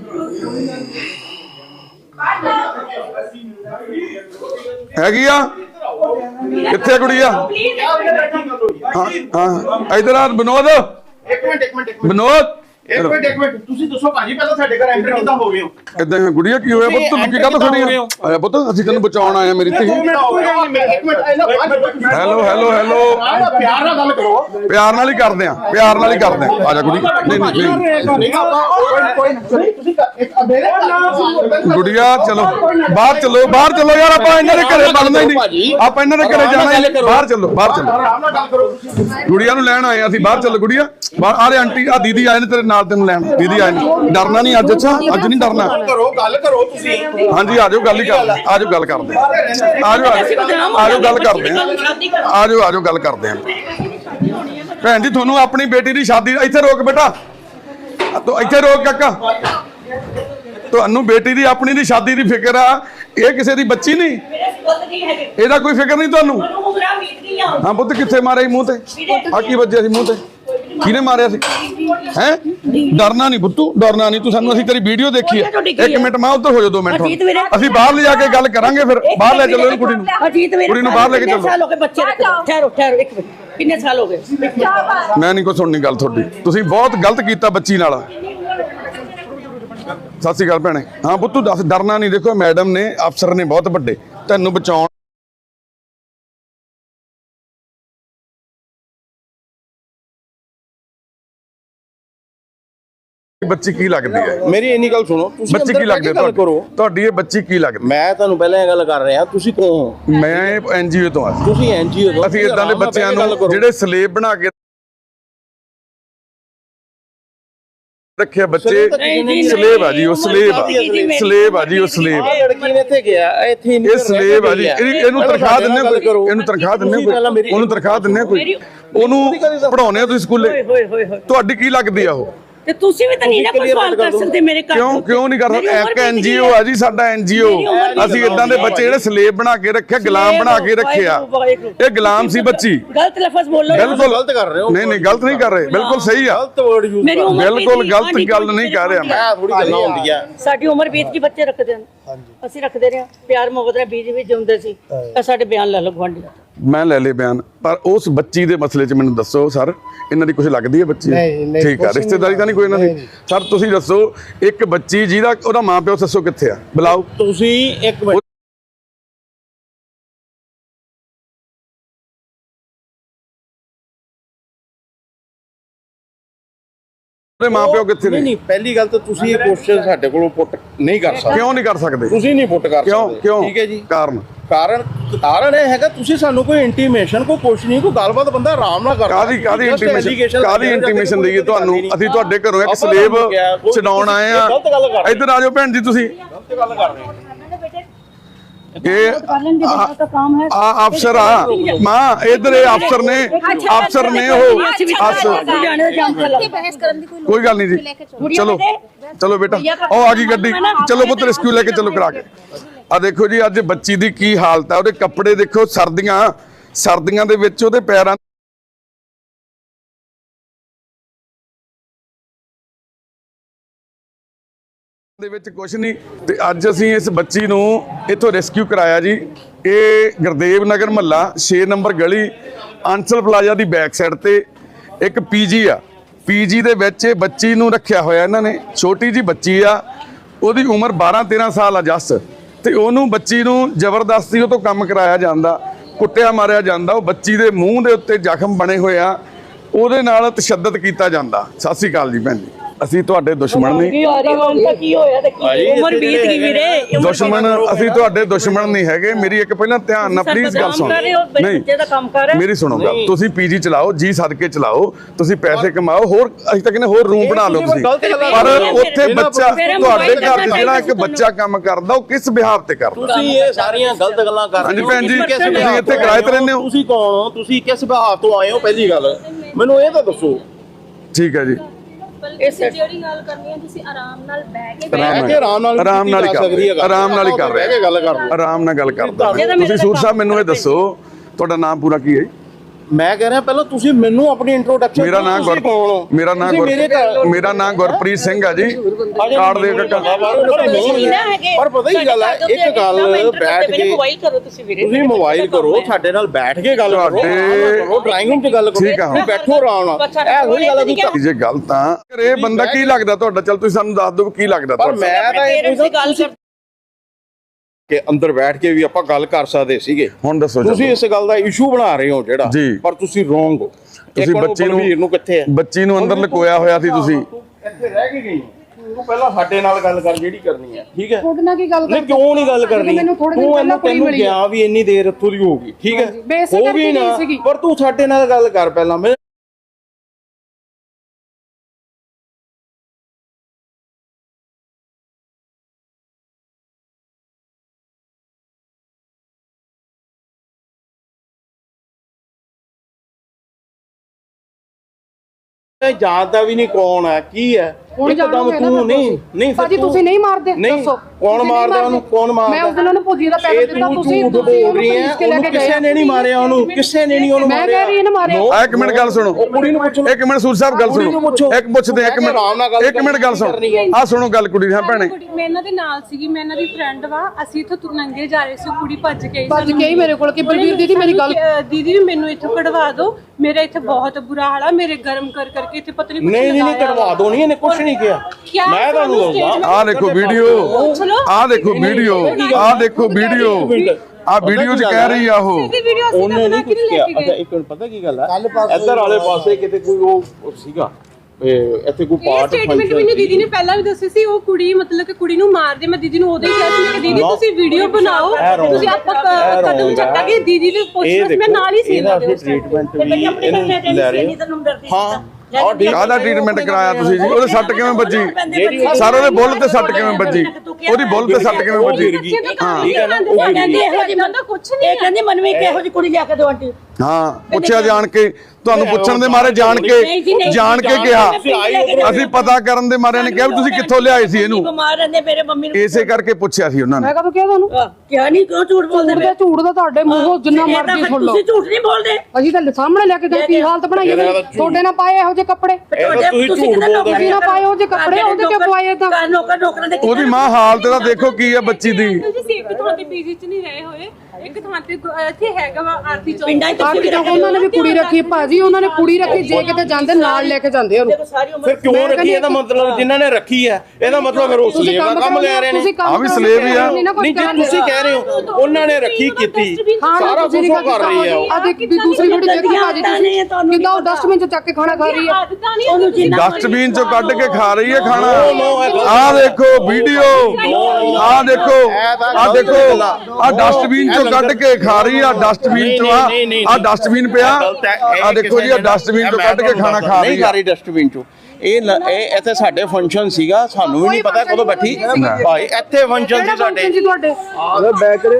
[SPEAKER 3] ਹੈਗੀ ਆ ਕਿੱਥੇ ਆ ਗੁੜੀਆ ਹਾਂ ਹਾਂ ਇਧਰ ਆ ਵਿਨੋਦ
[SPEAKER 2] ਇੱਕ ਮਿੰਟ
[SPEAKER 3] ਵਿਨੋਦ
[SPEAKER 2] ਇੱਕ ਮਿੰਟ ਤੁਸੀਂ ਦੱਸੋ ਭਾਜੀ ਪਹਿਲਾਂ ਸਾਡੇ ਘਰ ਐਂਟਰ ਕਿੱਦਾਂ ਹੋ ਗਏ ਹੋ
[SPEAKER 3] ਇਦਾਂ ਗੁੜੀਆ ਕੀ ਹੋਇਆ ਪੁੱਤ ਤੂੰ ਕੀ ਕਾਹਤੋਂ ਖੜੀ ਆ ਆਇਆ ਪੁੱਤ ਅਸੀਂ ਤੈਨੂੰ ਬਚਾਉਣ ਆਏ ਆ ਮੇਰੀ ਧੀ ਹੈਲੋ ਹੈਲੋ ਹੈਲੋ
[SPEAKER 2] ਪਿਆਰ ਨਾਲ ਗੱਲ ਕਰੋ
[SPEAKER 3] ਪਿਆਰ ਨਾਲ ਹੀ ਕਰਦੇ ਆ ਪਿਆਰ ਨਾਲ ਹੀ ਕਰਦੇ ਆ ਜਾ ਗੁੜੀ ਨਹੀਂ ਨਹੀਂ ਗੁੜੀਆ ਚਲੋ ਬਾਹਰ ਚਲੋ ਯਾਰ ਆਪਾਂ ਇਹਨਾਂ ਦੇ ਘਰੇ ਬਣਨਾ ਹੀ ਨਹੀਂ ਆਪਾਂ ਇਹਨਾਂ ਦੇ ਘਰੇ ਜਾਣਾ ਹੀ ਬਾਹਰ ਚਲੋ
[SPEAKER 2] ਆਰਾਮ ਨਾਲ ਗੱਲ ਕਰੋ
[SPEAKER 3] ਗੁੜੀਆ ਨੂੰ ਲੈਣ ਆਏ ਅਸੀਂ ਬਾਹਰ ਚੱਲ ਗੁੜੀਆ ਆ ਰੇ ਆਂਟੀ ਆ ਦੀਦੀ ਆਏ ਨੇ ਤੇਰੇ ਨਾਲ ਤੈਨੂੰ ਲੈਣ ਦੀਦੀ ਆਏ ਨੇ ਡਰਨਾ ਨਹੀਂ ਅੱਜ ਅੱਛਾ ਅੱਜ ਨਹੀਂ ਡਰਨਾ
[SPEAKER 2] ਗੱਲ ਕਰੋ ਤੁਸੀਂ
[SPEAKER 3] ਹਾਂਜੀ ਆਜੋ ਗੱਲ ਹੀ ਕਰਦੇ ਆਜੋ ਗੱਲ ਕਰਦੇ ਆਜੋ ਗੱਲ ਕਰਦੇ ਆਜੋ ਗੱਲ ਕਰਦੇ ਆ ਭੈਣ ਜੀ ਤੁਹਾਨੂੰ ਆਪਣੀ ਬੇਟੀ ਦੀ ਸ਼ਾਦੀ ਇੱਥੇ ਰੋਕ ਬੇਟਾ ਤੂੰ ਇੱਥੇ ਰੋਕ ਕਾਕਾ ਤੁਹਾਨੂੰ ਬੇਟੀ ਦੀ ਆਪਣੀ ਦੀ ਸ਼ਾਦੀ ਦੀ ਫਿਕਰ ਆ ਇਹ ਕਿਸੇ ਦੀ ਬੱਚੀ ਨਹੀਂ ਇਹਦਾ ਕੋਈ ਫਿਕਰ ਨਹੀਂ ਤੁਹਾਨੂੰ ਹਾਂ ਪੁੱਤ ਕਿੱਥੇ ਮਾਰਿਆ ਮੂੰਹ ਤੇ ਆ ਕੀ ਵੱਜਿਆ ਸੀ ਮੂੰਹ ਤੇ ਕਿਹਨੇ ਮਾਰਿਆ ਸੀ ਹੈ ਡਰਨਾ ਨਹੀਂ ਪੁੱਤੂ ਡਰਨਾ ਨਹੀਂ ਤੂੰ ਸਾਨੂੰ ਅਸੀਂ ਤੇਰੀ ਵੀਡੀਓ ਦੇਖੀ ਹੈ ਇੱਕ ਮਿੰਟ ਮਾਂ ਉੱਧਰ ਹੋ ਜਾ 2 ਮਿੰਟ ਅਸੀਂ ਬਾਹਰ ਲੈ ਜਾ ਕੇ ਗੱਲ ਕਰਾਂਗੇ ਫਿਰ ਬਾਹਰ ਲੈ ਚੱਲੋ ਇਹਨੂੰ ਕੁੜੀ ਨੂੰ ਬਾਹਰ ਲੈ ਕੇ ਚੱਲੋ
[SPEAKER 1] ਸਾਲ ਹੋ ਗਏ ਬੱਚੇ ਠਹਿਰੋ ਇੱਕ ਮਿੰਟ ਕਿੰਨੇ ਸਾਲ ਹੋ ਗਏ
[SPEAKER 3] ਮੈਂ ਨਹੀਂ ਕੋਈ ਸੁਣਨੀ ਗੱਲ ਤੁਹਾਡੀ ਤੁਸੀਂ ਬਹੁਤ ਗਲਤ ਕੀਤਾ ਬੱਚੀ ਨਾਲ ਸਤਿ ਸ਼੍ਰੀ ਅਕਾਲ ਭੈਣੇ ਹਾਂ ਪੁੱਤੂ ਦੱਸ ਡਰਨਾ ਨਹੀਂ ਦੇਖੋ ਮੈਡਮ ਨੇ ਅਫਸਰ ਨੇ ਬਹੁਤ ਵੱਡੇ ਤੈਨੂੰ ਬਚਾਉਣ ਬੱਚੀ ਕੀ ਲੱਗਦੀ ਹੈ
[SPEAKER 5] ਮੇਰੀ ਇੰਨੀ ਗੱਲ ਸੁਣੋ ਤੁਸੀਂ
[SPEAKER 3] ਬੱਚੀ ਕੀ ਲੱਗਦੀ ਹੈ ਤੁਹਾਡੀ ਇਹ ਬੱਚੀ ਕੀ ਲੱਗਦੀ
[SPEAKER 5] ਮੈਂ ਤੁਹਾਨੂੰ ਪਹਿਲਾਂ ਇਹ ਗੱਲ ਕਰ ਰਿਹਾ ਤੁਸੀਂ ਕੌਣ ਹੋ
[SPEAKER 3] ਮੈਂ ਐਨਜੀਓ ਤੋਂ ਆ
[SPEAKER 5] ਤੁਸੀਂ ਐਨਜੀਓ ਤੋਂ
[SPEAKER 3] ਅਸੀਂ ਇਦਾਂ ਦੇ ਬੱਚਿਆਂ ਨੂੰ ਜਿਹੜੇ ਸਲੇਬ ਬਣਾ ਕੇ ਰੱਖਿਆ ਬੱਚੇ ਸਲੇਬ ਆ ਜੀ ਉਹ ਸਲੇਬ ਆ ਜੀ ਉਹ ਸਲੇਬ
[SPEAKER 5] ਲੜਕੀ ਨੇ ਇੱਥੇ ਗਿਆ ਇੱਥੇ
[SPEAKER 3] ਇਹ ਸਲੇਬ ਆ ਜੀ ਇਹਨੂੰ ਤਨਖਾਹ ਦਿੰਨੇ ਕੋਈ ਇਹਨੂੰ ਤਨਖਾਹ ਦਿੰਨੇ ਕੋਈ ਉਹਨੂੰ ਤਨਖਾਹ ਦਿੰਨੇ ਕੋਈ ਉਹਨੂੰ ਪੜਾਉਨੇ ਆ ਤੁਸੀਂ ਸਕੂਲੇ ਤੁਹਾਡੀ ਕੀ ਲੱਗਦੀ ਆ ਉਹ
[SPEAKER 1] ਤੇ ਤੁਸੀਂ ਵੀ ਤਾਂ ਨਹੀਂ ਨਾ ਕੋਈ ਸਵਾਲ ਕਰ ਸਕਦੇ ਮੇਰੇ ਘਰ
[SPEAKER 3] ਕਿਉਂ ਨਹੀਂ ਕਰ ਸਕਦੇ ਇੱਕ ਐਨਜੀਓ ਆ ਜੀ ਸਾਡਾ ਐਨਜੀਓ ਅਸੀਂ ਇਦਾਂ ਦੇ ਬੱਚੇ ਜਿਹੜੇ ਸਲੇਬ ਬਣਾ ਕੇ ਰੱਖਿਆ ਗੁਲਾਮ ਬਣਾ ਕੇ ਰੱਖਿਆ ਇਹ ਗੁਲਾਮ ਸੀ ਬੱਚੀ
[SPEAKER 1] ਗਲਤ ਲਫ਼ਜ਼ ਬੋਲੋ
[SPEAKER 3] ਬਿਲਕੁਲ
[SPEAKER 5] ਗਲਤ ਕਰ ਰਹੇ ਹੋ
[SPEAKER 3] ਨਹੀਂ ਗਲਤ ਨਹੀਂ ਕਰ ਰਹੇ ਬਿਲਕੁਲ ਸਹੀ ਆ
[SPEAKER 5] ਗਲਤ ਵਰਡ ਯੂਜ਼
[SPEAKER 3] ਬਿਲਕੁਲ ਗਲਤ ਗੱਲ ਨਹੀਂ ਕਰ ਰਿਹਾ ਮੈਂ
[SPEAKER 5] ਥੋੜੀ ਗੱਲਾਂ ਹੁੰਦੀਆਂ
[SPEAKER 1] ਸਾਡੀ ਉਮਰ ਬੀਤ ਕੀ ਬੱਚੇ ਰੱਖਦੇ ਹਨ ਅਸੀਂ ਰੱਖਦੇ ਰਹੇ ਪਿਆਰ ਮੁਹੱਬਤ ਨਾਲ ਬੀਜ ਵੀ ਜਿਉਂਦੇ ਸੀ ਇਹ ਸਾਡੇ ਬਿਆਨ ਲੈ ਲਓ ਗਵਾਂਢੀ
[SPEAKER 3] ਮੈਂ ਲੈ ਲਏ ਬਿਆਨ, ਪਰ ਉਸ ਬੱਚੀ ਦੇ ਮਸਲੇ 'ਚ ਮੈਨੂੰ ਦੱਸੋ ਸਰ, ਇਹਨਾਂ ਦੀ ਕੁਝ ਲੱਗਦੀ ਹੈ ਬੱਚੀ?
[SPEAKER 4] ਨਹੀਂ,
[SPEAKER 3] ਠੀਕ ਆ,
[SPEAKER 4] ਕੁਛ
[SPEAKER 3] ਰਿਸ਼ਤੇਦਾਰੀ ਤਾਂ ਨਹੀਂ ਕੋਈ ਇਹਨਾਂ ਦੀ?
[SPEAKER 4] ਨਹੀਂ।
[SPEAKER 3] ਸਰ ਤੁਸੀਂ ਦੱਸੋ, ਇੱਕ ਬੱਚੀ ਜਿਹਦਾ ਉਹਦਾ ਮਾਂ ਪਿਓ ਦੱਸੋ ਕਿੱਥੇ ਆ, ਬੁਲਾਓ।
[SPEAKER 5] ਤੁਸੀਂ ਇੱਕ ਮਿੰਟ
[SPEAKER 3] ਉਹਦੇ ਮਾਂ ਪਿਓ ਕਿੱਥੇ
[SPEAKER 5] ਨਹੀਂ
[SPEAKER 3] ਨੇ?
[SPEAKER 5] ਨਹੀਂ, ਪਹਿਲੀ ਗੱਲ ਤਾਂ ਤੁਸੀਂ ਇਹ ਕੁਐਸਚਨ ਸਾਡੇ ਕੋਲੋਂ ਪੁੱਟ ਨਹੀਂ ਕਰ ਸਕਦੇ।
[SPEAKER 3] ਕਿਉਂ ਨਹੀਂ ਕਰ ਸਕਦੇ?
[SPEAKER 5] ਤੁਸੀਂ ਨਹੀਂ ਪੁੱਟ ਕਰ
[SPEAKER 3] ਕਿਉਂ
[SPEAKER 5] ਸਕਦੇ।
[SPEAKER 3] ਕਿਉਂ?
[SPEAKER 5] ਠੀਕ ਹੈ ਜੀ।
[SPEAKER 3] ਕਾਰਨ
[SPEAKER 5] ਕਾਰਨ ਇਹ ਹੈਗਾ, ਤੁਸੀਂ ਸਾਨੂੰ ਕੋਈ ਇੰਟੀਮੇਸ਼ਨ, ਕੋਈ ਕੁਛ ਨਹੀਂ, ਕੋਈ ਗੱਲਬਾਤ ਬੰਦਾ ਆਰਾਮ ਨਾਲ ਕਰਦਾ।
[SPEAKER 3] ਕਾਦੀ ਇੰਟੀਮੇਸ਼ਨ ਦਈਏ ਤੁਹਾਨੂੰ? ਅਸੀਂ ਤੁਹਾਡੇ ਘਰੋਂ ਇੱਕ ਸਲੇਬ ਛਡਾਉਣ ਆਏ ਆ। ਇੱਧਰ ਆ ਜਾਓ ਭੈਣ ਜੀ, ਤੁਸੀਂ
[SPEAKER 5] ਗਲਤ ਗੱਲ ਕਰ ਰਹੇ ਹੋ।
[SPEAKER 3] ਇਹ ਆ ਅਫਸਰ ਆ ਮਾਂ, ਇਧਰ ਇਹ ਅਫਸਰ ਨੇ ਉਹ ਕੋਈ ਗੱਲ ਨਹੀਂ ਜੀ, ਚਲੋ ਚਲੋ ਬੇਟਾ, ਉਹ ਆ ਗਈ ਗੱਡੀ, ਚਲੋ ਪੁੱਤ ਰੈਸਕਿਊ ਲੈ ਕੇ ਚਲੋ ਕਰਾ ਕੇ। ਆ ਦੇਖੋ ਜੀ ਅੱਜ ਬੱਚੀ ਦੀ ਕੀ ਹਾਲਤ ਹੈ, ਉਹਦੇ ਕੱਪੜੇ ਦੇਖੋ, ਸਰਦੀਆਂ ਦੇ ਵਿੱਚ ਉਹਦੇ ਪੈਰਾਂ ਦੇ ਵਿੱਚ ਕੁਝ ਨਹੀਂ। ਤੇ ਅੱਜ ਅਸੀਂ ਇਸ ਬੱਚੀ ਨੂੰ ਇੱਥੋਂ ਰੈਸਕਿਊ ਕਰਾਇਆ ਜੀ। ਇਹ ਗੁਰਦੇਵ ਨਗਰ ਮਹੱਲਾ 6 ਨੰਬਰ ਗਲੀ ਅੰਸਲ ਪਲਾਜ਼ਾ ਦੀ ਬੈਕ ਸਾਈਡ ਤੇ ਇੱਕ ਪੀਜੀ ਆ। ਪੀਜੀ ਦੇ ਵਿੱਚ ਇਹ ਬੱਚੀ ਨੂੰ ਰੱਖਿਆ ਹੋਇਆ ਇਹਨਾਂ ਨੇ। ਛੋਟੀ ਜੀ ਬੱਚੀ ਆ, ਉਹਦੀ ਉਮਰ 12-13 ਸਾਲ ਆ ਜਸ, ਤੇ ਉਹਨੂੰ ਬੱਚੀ ਨੂੰ ਜ਼ਬਰਦਸਤੀ ਉਹ ਤੋਂ ਕੰਮ ਕਰਾਇਆ ਜਾਂਦਾ, ਕੁੱਟਿਆ ਮਾਰਿਆ ਜਾਂਦਾ। ਉਹ ਬੱਚੀ ਦੇ ਮੂੰਹ ਦੇ ਉੱਤੇ ਜ਼ਖਮ ਬਣੇ ਹੋਏ ਆ, ਉਹਦੇ ਨਾਲ ਤਸ਼ੱਦਦ ਕੀਤਾ ਜਾਂਦਾ। ਸਤਿ ਸ੍ਰੀ ਅਕਾਲ ਜੀ ਭੈਣ ਜੀ, ਅਸੀਂ ਤੁਹਾਡੇ ਦੁਸ਼ਮਣ ਨਹੀਂ।
[SPEAKER 1] ਕੀ ਹੋਇਆ ਤੇ ਕੀ ਉਮਰ ਬੀਤ ਗਈ ਵੀਰੇ।
[SPEAKER 3] ਦੁਸ਼ਮਣ ਅਸੀਂ ਤੁਹਾਡੇ ਦੁਸ਼ਮਣ ਨਹੀਂ ਹੈਗੇ। ਮੇਰੀ ਇੱਕ ਪਹਿਲਾਂ ਧਿਆਨ ਨਾਲ ਪਲੀਜ਼ ਗੱਲ ਸੁਣੋ। ਨਹੀਂ ਮੇਰੀ ਸੁਣੋ ਗੱਲ, ਤੁਸੀਂ ਪੀਜੀ ਚਲਾਓ, ਜੀ ਸਦਕੇ ਚਲਾਓ, ਤੁਸੀਂ ਪੈਸੇ ਕਮਾਓ, ਹੋਰ ਅਸੀਂ ਤਾਂ ਕਹਿੰਦੇ ਹੋਰ ਰੂਮ ਬਣਾ ਲਓ ਤੁਸੀਂ, ਪਰ ਉੱਥੇ ਬੱਚਾ ਤੁਹਾਡੇ ਘਰ 'ਚ ਜਿਹੜਾ ਇੱਕ ਬੱਚਾ ਕੰਮ ਕਰਦਾ, ਉਹ ਕਿਸ ਬਿਹਾਵ ਤੇ ਕਰਦਾ?
[SPEAKER 5] ਤੁਸੀਂ ਇਹ ਸਾਰੀਆਂ ਗਲਤ ਗੱਲਾਂ ਕਰ ਰਹੇ ਹੋ।
[SPEAKER 3] ਹਾਂਜੀ ਭੈਣ ਜੀ, ਤੁਸੀਂ ਇੱਥੇ ਕਿਰਾਏ ਤੇ ਰਹਿੰਦੇ ਹੋ?
[SPEAKER 5] ਤੁਸੀਂ ਕੌਣ ਹੋ? ਤੁਸੀਂ ਕਿਸ ਬਿਹਾਵ ਤੋਂ ਆਏ ਹੋ? ਪਹਿਲੀ ਗੱਲ ਮੈਨੂੰ ਇਹ ਤਾਂ ਦੱਸੋ।
[SPEAKER 3] ਠੀਕ ਹੈ ਜੀ,
[SPEAKER 6] ਇਸ ਜਿਹੜੀ ਗੱਲ ਕਰਨੀ ਹੈ ਤੁਸੀਂ ਆਰਾਮ ਨਾਲ ਬਹਿ ਕੇ
[SPEAKER 3] ਆਰਾਮ ਨਾਲ ਹੀ ਕਰ ਰਹੇ, ਆਰਾਮ ਨਾਲ ਹੀ ਕਰ ਰਹੇ,
[SPEAKER 5] ਗੱਲ ਕਰ
[SPEAKER 3] ਆਰਾਮ ਨਾਲ ਗੱਲ ਕਰਦਾ। ਤੁਸੀਂ ਸੂਰ ਸਾਹਿਬ ਮੈਨੂੰ ਇਹ ਦੱਸੋ, ਤੁਹਾਡਾ ਨਾਮ ਪੂਰਾ ਕੀ ਹੈ?
[SPEAKER 5] ਮੈਂ ਕਹਿ ਰਿਹਾ ਪਹਿਲਾਂ ਤੁਸੀਂ ਮੈਨੂੰ ਆਪਣੀ ਇੰਟਰੋਡਕਸ਼ਨ। ਮੇਰਾ ਨਾਮ
[SPEAKER 3] ਗੁਰਪ੍ਰੀਤ ਸਿੰਘ ਆ ਜੀ, ਕਾਰਡ ਦੇ
[SPEAKER 5] ਪਰ ਪਤਾ ਹੀ ਗੱਲ ਹੈ, ਇੱਕ ਗੱਲ ਬੈਠ ਕੇ ਤੁਸੀਂ ਮੋਬਾਈਲ ਕਰੋ, ਸਾਡੇ ਨਾਲ ਬੈਠ ਕੇ ਗੱਲ ਕਰੋ, ਡਰਾਇੰਗ ਰੂਮ 'ਚ ਗੱਲ ਕਰੋ, ਬੈਠੋ ਆਰਾਮ ਨਾਲ। ਇਹ ਹੋਈ ਗੱਲ ਹੈ
[SPEAKER 3] ਜੇ ਗੱਲ ਤਾਂ ਇਹ ਬੰਦਾ ਕੀ ਲੱਗਦਾ ਤੁਹਾਡਾ? ਚੱਲ ਤੁਸੀਂ ਸਾਨੂੰ ਦੱਸ ਦਿਓ ਕੀ ਲੱਗਦਾ
[SPEAKER 5] ਪਰ ਮੈਂ ਤਾਂ ਇਹ ਕਿ ਅੰਦਰ ਬੈਠ ਕੇ ਵੀ ਆਪਾਂ ਗੱਲ ਕਰ ਸਕਦੇ ਸੀਗੇ।
[SPEAKER 3] ਹੁਣ ਦੱਸੋ
[SPEAKER 5] ਤੁਸੀਂ ਇਸ ਗੱਲ ਦਾ ਇਸ਼ੂ ਬਣਾ ਰਹੇ ਹੋ ਜਿਹੜਾ, ਪਰ ਤੁਸੀਂ ਰੋਂਗ ਹੋ।
[SPEAKER 3] ਤੁਸੀਂ ਬੱਚੀ ਨੂੰ ਅੰਦਰ ਲੁਕੋਇਆ ਹੋਇਆ ਸੀ, ਤੁਸੀਂ
[SPEAKER 5] ਇੱਥੇ ਰਹਿ ਕੇ ਗਈ ਤੂੰ ਪਹਿਲਾਂ ਸਾਡੇ ਨਾਲ ਗੱਲ ਕਰ ਜਿਹੜੀ ਕਰਨੀ ਹੈ। ਠੀਕ ਹੈ,
[SPEAKER 7] ਤੁਹਾਡੇ ਨਾਲ ਕੀ ਗੱਲ
[SPEAKER 5] ਨਹੀਂ ਕਿਉਂ ਨਹੀਂ ਗੱਲ ਕਰਨੀ? ਤੂੰ ਗਿਆ ਵੀ ਇੰਨੀ ਦੇਰ ਇੱਥੋਂ ਦੀ ਹੋਊਗੀ, ਠੀਕ ਹੈ, ਹੋ ਗਈ ਨਾ, ਪਰ ਤੂੰ ਸਾਡੇ ਨਾਲ ਗੱਲ ਕਰ ਪਹਿਲਾਂ। ਮੈਂ ਜਾਣਦਾ ਵੀ ਨਹੀਂ ਕੌਣ ਹੈ ਕੀ ਹੈ। ਇੱਕਦਮ ਤੂੰ ਨਹੀਂ
[SPEAKER 7] ਭਾਜੀ ਤੁਸੀਂ ਨਹੀਂ ਮਾਰਦੇ, ਦੱਸੋ
[SPEAKER 5] ਕੌਣ ਮਾਰਦਾ ਉਹਨੂੰ? ਕੌਣ ਮਾਰਦਾ?
[SPEAKER 7] ਮੈਂ ਉਸ ਨੂੰ ਭੁਜੀ ਦਾ ਪੈਕੇਟ ਦਿੱਤਾ, ਤੁਸੀਂ
[SPEAKER 5] ਬੋਲ ਰਹੀ ਹੈ। ਉਹਨੂੰ ਕਿਸੇ ਨੇ ਨਹੀਂ ਮਾਰਿਆ, ਉਹਨੂੰ ਕਿਸੇ ਨੇ ਨਹੀਂ ਉਹਨੂੰ ਮਾਰਿਆ।
[SPEAKER 7] ਮੈਂ ਕਹਿ ਰਹੀ ਇਹਨੇ ਮਾਰਿਆ।
[SPEAKER 3] ਇੱਕ ਮਿੰਟ ਗੱਲ ਸੁਣੋ,
[SPEAKER 5] ਕੁੜੀ ਨੂੰ ਪੁੱਛੋ।
[SPEAKER 3] ਇੱਕ ਮਿੰਟ ਸੂਰ ਸਾਹਿਬ ਗੱਲ ਸੁਣੋ, ਇੱਕ ਪੁੱਛਦੇ ਇੱਕ ਮਿੰਟ ਗੱਲ ਸੁਣੋ। ਆ ਸੁਣੋ ਗੱਲ ਕੁੜੀ ਦੀ। ਹਾਂ ਭੈਣੇ,
[SPEAKER 6] ਮੈਂ ਇਹਨਾਂ ਦੇ ਨਾਲ ਸੀਗੀ, ਮੈਂ ਇਹਨਾਂ ਦੀ ਫਰੈਂਡ ਵਾ। ਅਸੀਂ ਇੱਥੋਂ ਤੁਰਨੰਗੇ ਜਾ ਰਹੇ ਸੀ, ਕੁੜੀ ਭੱਜ ਕੇ
[SPEAKER 7] ਆਈ ਮੇਰੇ ਕੋਲ ਕਿ ਬਲਵੀਰ ਦੀਦੀ ਮੇਰੀ ਗੱਲ,
[SPEAKER 6] ਦੀਦੀ ਵੀ ਮੈਨੂੰ ਇੱਥੋਂ ਕਢਵਾ ਦਿਓ, ਮੇਰਾ ਇੱਥੇ ਬਹੁਤ ਬੁਰਾ ਹਾਲ ਆ, ਮੇਰੇ ਗਰਮ ਕਰ ਕਰਕੇ ਇੱਥੇ ਪਤਾ
[SPEAKER 5] ਨਹੀਂ ਕਢਵਾ ਦੋ। ਨਹੀਂ ਇਹਨੇ ਕੁਝ ਨਹੀਂ ਕਿਹਾ, ਮੈਂ ਤੁਹਾਨੂੰ ਦਊਂਗਾ।
[SPEAKER 3] ਆ ਦੇਖੋ ਵੀਡੀਓ, ਆ ਦੇਖੋ ਵੀਡੀਓ, ਆ ਦੇਖੋ ਵੀਡੀਓ, ਆ ਵੀਡੀਓ 'ਚ ਕਹਿ ਰਹੀ ਆ ਉਹ।
[SPEAKER 5] ਉਹਨੇ ਨਹੀਂ ਕੁਝ ਕਿਹਾ। ਅੱਛਾ ਇੱਕ ਮਿੰਟ, ਪਤਾ ਕੀ ਗੱਲ ਹੈ, ਇੱਧਰ ਵਾਲੇ ਪਾਸੇ ਕਿਤੇ ਕੋਈ ਉਹ ਸੀਗਾ, ਇੱਥੇ ਕੋਈ ਪਾਰਟ
[SPEAKER 6] ਸਟੇਟਮੈਂਟ ਮੈਨੂੰ ਦੀਦੀ ਨੇ ਪਹਿਲਾਂ ਵੀ ਦੱਸੀ ਸੀ। ਉਹ ਕੁੜੀ ਮਤਲਬ ਕਿ ਕੁੜੀ ਨੂੰ ਮਾਰਦੇ, ਮੈਂ ਦੀਦੀ ਨੂੰ ਉਦੋਂ ਹੀ ਕਿਹਾ ਸੀ ਕਿ ਦੀਦੀ ਤੁਸੀਂ ਵੀਡੀਓ ਬਣਾਓ, ਤੁਸੀਂ ਆਪਾਂ ਕਦਮ ਚੱਕਾਂਗੇ। ਦੀਦੀ ਵੀ ਪੁੱਛਣਾ, ਮੈਂ ਨਾਲ ਹੀ ਸੀ ਇਹਨਾਂ ਦੇ
[SPEAKER 5] ਟ੍ਰੀਟਮੈਂਟ ਵੀ ਇਹਨੂੰ ਲੈ ਰਹੇ ਹਾਂ।
[SPEAKER 3] ਕਾਹਦਾ ਟ੍ਰੀਟਮੈਂਟ ਕਰਾਇਆ ਤੁਸੀਂ ਜੀ? ਉਹਦੇ ਸੱਟ ਕਿਵੇਂ ਵੱਜੀ? ਸਰ ਉਹਦੇ ਬੁੱਲ ਤੇ ਸੱਟ ਕਿਵੇਂ ਵੱਜੀ? ਉਹਦੀ ਬੁੱਲ ਤੇ ਸੱਟ ਕਿਵੇਂ ਵੱਜੀ?
[SPEAKER 1] ਹਾਂ ਉਹ ਕਹਿੰਦੀ ਇਹੋ ਜਿਹੀ ਬੰਦਾ ਕੁਝ ਨਹੀਂ। ਇਹ ਕਹਿੰਦੀ ਮਨਵੀ ਕਿਹੋ ਜਿਹੀ ਕੁੜੀ ਲਿਆ ਕੇ ਦਿਓ ਆਂਟੀ।
[SPEAKER 3] ਹਾਂ ਪੁੱਛਿਆ ਜਾਣ ਕੇ, ਤੁਹਾਨੂੰ ਪੁੱਛਣ ਦੇ ਮਾਰੇ ਜਾਣ ਕੇ ਕਿਹਾ। ਅਸੀਂ ਪਤਾ ਕਰਨ ਦੇ ਮਾਰੇ ਨੇ ਕਿਹਾ ਵੀ ਤੁਸੀਂ ਕਿੱਥੋਂ ਲਿਆਏ ਸੀ ਇਹਨੂੰ।
[SPEAKER 1] ਬਿਮਾਰ ਰਹਿੰਦੇ ਮੇਰੇ ਮੰਮੀ ਨੂੰ,
[SPEAKER 3] ਇਸੇ ਕਰਕੇ ਪੁੱਛਿਆ ਸੀ ਉਹਨਾਂ ਨੇ।
[SPEAKER 7] ਮੈਂ ਕਦੋਂ ਕਿਹਾ ਤੁਹਾਨੂੰ?
[SPEAKER 1] ਕਿਹਾ ਨਹੀਂ, ਕਿਉਂ ਝੂਠ ਬੋਲਦੇ?
[SPEAKER 7] ਝੂਠ ਦਾ ਤੁਹਾਡੇ ਮੂੰਹੋਂ ਜਿੰਨਾ ਮਰਜ਼ੀ ਸੁਣ ਲਓ,
[SPEAKER 1] ਤੁਸੀਂ ਝੂਠ ਨਹੀਂ ਬੋਲਦੇ।
[SPEAKER 7] ਅਸੀਂ ਤਾਂ ਸਾਹਮਣੇ ਲੈ ਕੇ ਗਏ, ਕੀ ਹਾਲਤ ਬਣਾਈ ਹੈ ਤੁਹਾਡੇ ਨਾਲ ਪਾਏ ਇਹੋ ਜਿਹੇ ਕੱਪੜੇ।
[SPEAKER 5] ਤੁਸੀਂ
[SPEAKER 7] ਨਾ ਪਾਏ ਇਹੋ ਜਿਹੇ ਕੱਪੜੇ, ਉਹਦੇ ਕਿਉਂ ਪਵਾਏ ਤਾਂ?
[SPEAKER 1] ਨੌਕਰਾਂ ਦੇ
[SPEAKER 3] ਉਹਦੀ ਮਾਂ ਹਾਲਤ ਦਾ ਦੇਖੋ ਕੀ ਹੈ ਬੱਚੀ ਦੀ।
[SPEAKER 6] ਤੁਸੀਂ ਸੇਫ ਤੁਹਾਡੇ ਪੀਜੀ 'ਚ ਨਹੀਂ ਰਹੇ ਹੋਏ, ਇੱਕ ਥਾਂ ਤੇ ਇੱਥੇ ਹੈਗਾ ਵਾ ਆਰਤੀ ਚੌਕ
[SPEAKER 1] ਪਿੰਡਾਂ 'ਚ ਤੁਸੀਂ ਵੀ ਰੱਖੋ।
[SPEAKER 7] ਉਹਨਾਂ ਨੇ ਵੀ ਕੁੜੀ ਰੱਖੀ ਭਾਜੀ, ਉਹਨਾਂ ਨੇ ਕੁੜੀ ਰੱਖੀ, ਜੇ ਕਿਤੇ ਜਾਂਦੇ ਨਾਲ ਲੈ ਕੇ ਜਾਂਦੇ ਉਹਨੂੰ।
[SPEAKER 1] ਸਾਰੀ ਉਮਰ
[SPEAKER 5] ਫਿਰ ਕਿਉਂ ਰੱਖੀ? ਇਹਦਾ ਮਤਲਬ ਜਿਨ੍ਹਾਂ ਨੇ ਰੱਖੀ ਹੈ ਇਹਦਾ ਮਤਲਬ ਫਿਰ ਉਹ ਸਲੇਵ ਦਾ ਕੰਮ ਲੈ ਰਹੇ ਨੇ।
[SPEAKER 3] ਆ ਵੀ ਸਲੇਵ ਹੀ ਆ।
[SPEAKER 5] ਨਹੀਂ ਜੇ ਤੁਸੀਂ ਕਹਿ ਰਹੇ ਹੋ ਉਹਨਾਂ ਨੇ ਰੱਖੀ ਕੀਤੀ, ਸਾਰਾ ਕੁਝ ਉਹ ਕਰ ਰਹੀ ਹੈ।
[SPEAKER 7] ਆ ਦੇਖ ਦੂਸਰੀ ਵੀਡੀਓ ਦੇਖੀ ਭਾਜੀ ਤੁਸੀਂ, ਕਿੱਦਾਂ ਉਹ ਡਸਟਬਿਨ 'ਚ ਚੱਕ ਕੇ ਖਾਣਾ ਖਾ ਰਹੀ ਹੈ।
[SPEAKER 1] ਉਹਨੂੰ ਜਿੰਨਾ
[SPEAKER 3] ਡਸਟਬਿਨ ਚੋਂ ਕੱਢ ਕੇ ਖਾ ਰਹੀ ਹੈ ਖਾਣਾ। ਆਹ ਦੇਖੋ ਵੀਡੀਓ, ਆਹ ਦੇਖੋ, ਆਹ ਦੇਖੋ, ਆਹ ਡਸਟਬਿਨ ਚੋਂ ਕੱਢ ਕੇ ਖਾ ਰਹੀ ਆ। ਡਸਟਬਿਨ ਚੋਂ ਆਹ ਡਸਟਬਿਨ ਪਿਆ, ਆਹ ਦੇਖੋ ਜੀ, ਆਹ ਡਸਟਬਿਨ ਚੋਂ ਕੱਢ ਕੇ ਖਾਣਾ ਖਾ ਰਹੀ ਆ।
[SPEAKER 5] ਡਸਟਬਿਨ ਚੋਂ ਇਹ ਇੱਥੇ ਸਾਡੇ ਫੰਕਸ਼ਨ ਸੀਗਾ, ਸਾਨੂੰ ਵੀ ਨਹੀਂ ਪਤਾ ਕਦੋਂ ਬੈਠੀ ਭਾਈ, ਇੱਥੇ ਫੰਕਸ਼ਨ ਸੀ ਸਾਡੇ।
[SPEAKER 7] ਜੀ ਤੁਹਾਡੇ
[SPEAKER 4] ਬੈਕ ਕਰੇ